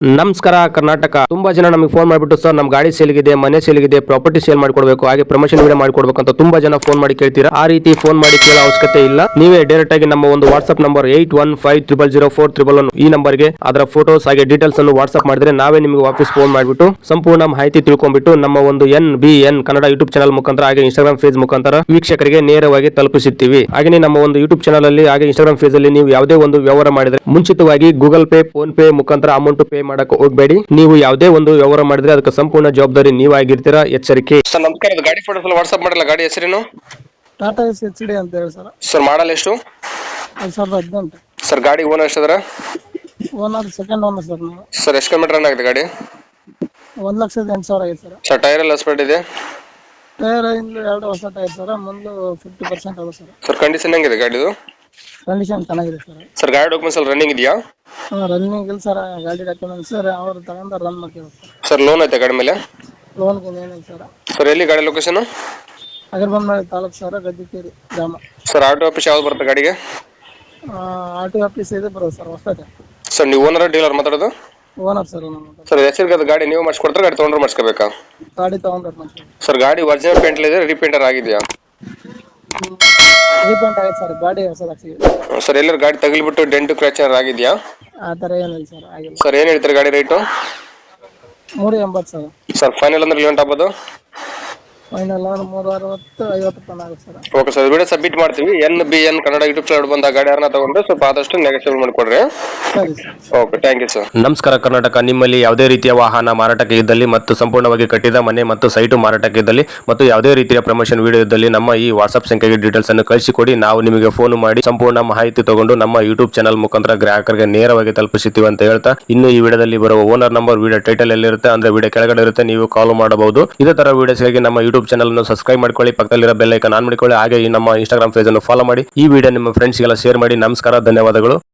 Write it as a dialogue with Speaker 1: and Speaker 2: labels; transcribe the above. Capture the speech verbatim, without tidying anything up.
Speaker 1: ನಮಸ್ಕಾರ ಕರ್ನಾಟಕ. ತುಂಬಾ ಜನ ನಮಗೆ ಫೋನ್ ಮಾಡಿಬಿಟ್ಟು ಸರ್ ನಮ್ಮ ಗಾಡಿ ಸೇಲ್ಗಿದೆ, ಮನೆ ಸೇಲ್ಗಿದೆ, ಪ್ರಾಪರ್ಟಿ ಸೇಲ್ ಮಾಡ್ಕೊಡ್ಬೇಕು, ಹಾಗೆ ಪ್ರಮೋಷನ್ ವಿಡಿಯೋ ಮಾಡ್ಕೊಡ್ಬೇಕು ಅಂತ ತುಂಬಾ ಜನ ಫೋನ್ ಮಾಡಿ ಕೇಳ್ತೀರಾ. ಆ ರೀತಿ ಫೋನ್ ಮಾಡಿ ಕೇಳೋ ಅವಶ್ಯಕತೆ ಇಲ್ಲ. ನೀವೇ ಡೈರೆಕ್ಟ್ ಆಗಿ ನಮ್ಮ ಒಂದು WhatsApp number eight one five triple zero four triple one ಈ ನಂಬರ್ಗೆ ಅದರ ಫೋಟೋಸ್ ಹಾಗೆ ಡೀಟೇಲ್ಸ್ ಅನ್ನು ವಾಟ್ಸ್ಆಪ್ ಮಾಡಿದ್ರೆ ನಾವೇ ನಿಮಗೆ ವಾಪಸ್ ಫೋನ್ ಮಾಡಿಬಿಟ್ಟು ಸಂಪೂರ್ಣ ಮಾಹಿತಿ ತಿಳ್ಕೊಂಡ್ಬಿಟ್ಟು ನಮ್ಮ ಒಂದು N B N Kannada YouTube channel ಮುಖಾಂತರ ಹಾಗೆ ಇನ್ಸ್ಟಾಗ್ರಾಮ್ ಫೇಸ್ ಮುಖಾಂತರ ವೀಕ್ಷಕರಿಗೆ ನೇರವಾಗಿ ತಲುಪಿಸುತ್ತೀವಿ. ಹಾಗೆ ನಮ್ಮ ಒಂದು ಯೂಟ್ಯೂಬ್ ಚಾನಲ್ ಅಲ್ಲಿ ಹಾಗೆ ಇನ್ಸ್ಟಾಗ್ರಾಮ್ ಫೇಸ್ ಅಲ್ಲಿ ನೀವು ಯಾವುದೇ ಒಂದು ವ್ಯವಹಾರ ಮಾಡಿದ್ರೆ ಮುಂಚಿತವಾಗಿ ಗೂಗಲ್ ಪೇ, ಫೋನ್ ಪೇ ಮುಖಾಂತರ ಅಮೌಂಟ್ ಪೇ ಮಾಡಕ್ಕೆ ಹೋಗಬೇಡಿ. ನೀವು ಯಾವುದೇ ಒಂದು ವ್ಯವಹಾರ ಮಾಡಿದ್ರೆ ಅದಕ್ಕೆ ಸಂಪೂರ್ಣ ಜವಾಬ್ದಾರಿ ನೀವಾಗಿರ್ತೀರಾ, ಎಚ್ಚರಿಕೆ. ಸರ್ ನಮಸ್ಕಾರ, ಗಾಡಿ ಫೋಟೋಸ್ ಎಲ್ಲ ವಾಟ್ಸ್ಆಪ್ ಮಾಡಲ್ಲ. ಗಾಡಿ ಹೆಸರೇನು?
Speaker 2: ಟಾಟಾ ಎಸ್ ಎಚ್ ಡಿ ಅಂತ ಹೇಳಿ ಸರ್.
Speaker 1: ಸರ್ ಮಾಡಲ್ ಎಷ್ಟು?
Speaker 2: ಎರಡು ಸಾವಿರದ ಹದಿನೆಂಟು.
Speaker 1: ಸರ್ ಗಾಡಿ ಓನರ್ ಎಷ್ಟಿದಾರೆ?
Speaker 2: ಓನರ್ ಸೆಕೆಂಡ್ ಓನರ್ ಸರ್ ನಾವು.
Speaker 1: ಸರ್ ಎಷ್ಟು ಕಿಲೋಮೀಟರ್ ರನ್ ಆಗಿದೆ ಗಾಡಿ?
Speaker 2: ಒಂದು ಲಕ್ಷದ ಎಂಟು ಸಾವಿರ ಆಗಿದೆ ಸರ್.
Speaker 1: ಸರ್ ಟೈರ್ ಎಲ್ಲ ಸ್ಪೆಡ್ ಇದೆ?
Speaker 2: ಟೈರ್ ಇಂದ ಎರಡು ಹೊಸ ಟೈರ್ ಸರ್, ಮುಂದೆ ಫಿಫ್ಟಿ ಪರ್ಸೆಂಟ್ ಆಗುತ್ತೆ ಸರ್.
Speaker 1: ಸರ್ ಕಂಡೀಷನ್ ಹೆಂಗಿದೆ ಗಾಡಿದು?
Speaker 2: ಕಂಡೀಷನ್ ಚೆನ್ನಾಗಿದೆ ಸರ್.
Speaker 1: ಸರ್ ಗಾಡಿ ಡಾಕ್ಯುಮೆಂಟ್ಸ್ ಎಲ್ಲ ರನ್ನಿಂಗ್ ಇದೆಯಾ?
Speaker 2: ಹಾಂ ರನ್ನಿಂಗ್ ಇಲ್ಲ ಸರ್. ಗಾಡಿ ಡಾಕ್ಯುಮೆಂಟ್ಸ್ ಸರ್ ಅವ್ರು ತಗೊಂಡು ರನ್ ಮಾಡ್ತೀವಿ ಸರ್.
Speaker 1: ಸರ್ ಲೋನ್ ಐತೆ ಗಾಡಿ ಮೇಲೆ?
Speaker 2: ಲೋನ್ಗೆ ಏನಿಲ್ಲ ಸರ್.
Speaker 1: ಸರ್ ಎಲ್ಲಿ ಗಾಡಿ ಲೊಕೇಶನ್?
Speaker 2: ಅಗರ್ಬೊಮ್ಮೆ ತಾಲೂಕು ಸರ್, ಗದ್ದಿಕೇರಿ ಗ್ರಾಮ.
Speaker 1: ಸರ್ ಆಟೋ ಆಫೀಸ್ ಯಾವ್ದು ಬರುತ್ತೆ ಗಾಡಿಗೆ?
Speaker 2: ಆರ್ ಟಿ ಆಫೀಸ್ ಇದೆ ಬರೋದು ಸರ್, ಹೊಸದೇ.
Speaker 1: ಸರ್ ನೀವು ಓನರ್ ಡೀಲರ್ ಮಾತಾಡೋದು?
Speaker 2: ಓನರ್ ಸರ್ ನಮ್ಮ.
Speaker 1: ಸರ್ ಹೆಸರಿಗೆ ಗಾಡಿ ನೀವು ಮಾಡಿಸ್ಕೊಡ್ತಾರೆ, ಗಾಡಿ ತೊಗೊಂಡ್ರೆ ಮಾಡಿಸ್ಕೋಬೇಕಾ?
Speaker 2: ಗಾಡಿ ತೊಗೊಂಡ್ರೆ ಮಾಡ್ತೀವಿ
Speaker 1: ಸರ್. ಗಾಡಿ ಒರಿಜಿನಲ್ ಪೇಂಟ್ ಇದೆ, ರೀಪೇಂಟರ್ ಆಗಿದೆಯಾ?
Speaker 2: ರೀಪೇಂಟ್ ಆಗಿದೆ ಸರ್, ಗಾಡಿ ಹೊಸದಾಗ್ಸಿದೆ.
Speaker 1: ಸರ್ ಎಲ್ಲರೂ ಗಾಡಿ ತಗಲಿಬಿಟ್ಟು ಡೆಂಟು ಕ್ರ್ಯಾಚರ್ ಆಗಿದೆಯಾ?
Speaker 2: ಆ ಥರ ಏನಿಲ್ಲ ಸರ್, ಆಗಿಲ್ಲ.
Speaker 1: ಸರ್ ಏನು ಹೇಳ್ತಾರೆ ಗಾಡಿ ರೇಟು?
Speaker 2: ಮೂರು ಎಂಬತ್ತು ಸರ್.
Speaker 1: ಸರ್ ಫೈನಲ್ ಅಂದ್ರೆ ಲೇಟ್ ಆಗ್ಬೋದು?
Speaker 2: ಫೈನಲ್ ಮೂರು ಅರವತ್ತು ಐವತ್ತು ತನಕ ಆಗುತ್ತೆ sir.
Speaker 1: Okay sir, video submit ಮಾಡ್ತೀವಿ. N B N Kannada YouTube channel ಬಂದ ಗಾಡಿ ಯಾರನ್ನ ತಗೊಂಡ್ರೆ ಸ್ವಲ್ಪ ಆದಷ್ಟು ನೆಗೆಟಿವ್ ಮಾಡಿಕೊಡ್ರಿ.
Speaker 2: ಸರಿ sir.
Speaker 1: Okay, thank you sir. ನಮಸ್ಕಾರ ಕರ್ನಾಟಕ. ನಿಮ್ಮಲ್ಲಿ ಯಾವುದೇ ರೀತಿಯ ವಾಹನ ಮಾರಾಟಕ್ಕೆ ಇದ್ದಲ್ಲಿ ಮತ್ತು ಸಂಪೂರ್ಣವಾಗಿ ಕಟ್ಟಿದ ಮನೆ ಮತ್ತು ಸೈಟು ಮಾರಾಟಕ್ಕೆ ಇದ್ದಲ್ಲಿ ಮತ್ತು ಯಾವುದೇ ರೀತಿಯ ಪ್ರಮೋಷನ್ ವಿಡಿಯೋ ಇದ್ದಲ್ಲಿ ನಮ್ಮ ಈ ವಾಟ್ಸ್ಆಪ್ ಸಂಖ್ಯೆಗೆ ಡೀಟೇಲ್ಸ್ ಅನ್ನು ಕಳಿಸಿಕೊಡಿ. ನಾವು ನಿಮಗೆ ಫೋನ್ ಮಾಡಿ ಸಂಪೂರ್ಣ ಮಾಹಿತಿ ತಗೊಂಡು ನಮ್ಮ ಯೂಟ್ಯೂಬ್ ಚಾನಲ್ ಮುಖಾಂತರ ಗ್ರಾಹಕರಿಗೆ ನೇರವಾಗಿ ತಲುಪಿಸುತ್ತೀವಿ ಅಂತ ಹೇಳ್ತಾ, ಇನ್ನು ಈ ವಿಡಿಯೋದಲ್ಲಿ ಬರುವ ಓನರ್ ನಂಬರ್ ವಿಡಿಯೋ ಟೈಟಲ್ ಎಲ್ಲಿರುತ್ತೆ ಅಂದ್ರೆ ವಿಡಿಯೋ ಕೆಳಗಡೆ ಇರುತ್ತೆ, ನೀವು ಕಾಲ್ ಮಾಡಬಹುದು. ಇದೇ ತರ ವಿಡಿಯೋಸ್ಗಾಗಿ ನಮ್ಮ ಯೂಟ್ಯೂಬ್ ಚಾನಲ್ ಅನ್ನು ಸಬ್ಸ್ಕ್ರೈಬ್ ಮಾಡ್ಕೊಳ್ಳಿ, ಪಕ್ಕದಲ್ಲಿರೋ ಬೆಲ್ ಐಕಾನ್ ಆನ್ ಮಾಡಿಕೊಳ್ಳಿ, ಹಾಗೆ ಈ ನಮ್ಮ ಇನ್ಸ್ಟಾಗ್ರಾಮ್ ಪೇಜ್ ಅನ್ನು ಫಾಲೋ ಮಾಡಿ. ಈ ವಿಡಿಯೋ ನಿಮ್ಮ ಫ್ರೆಂಡ್ಸ್ಗೆಲ್ಲ ಶೇರ್ ಮಾಡಿ. ನಮಸ್ಕಾರ, ಧನ್ಯವಾದಗಳು.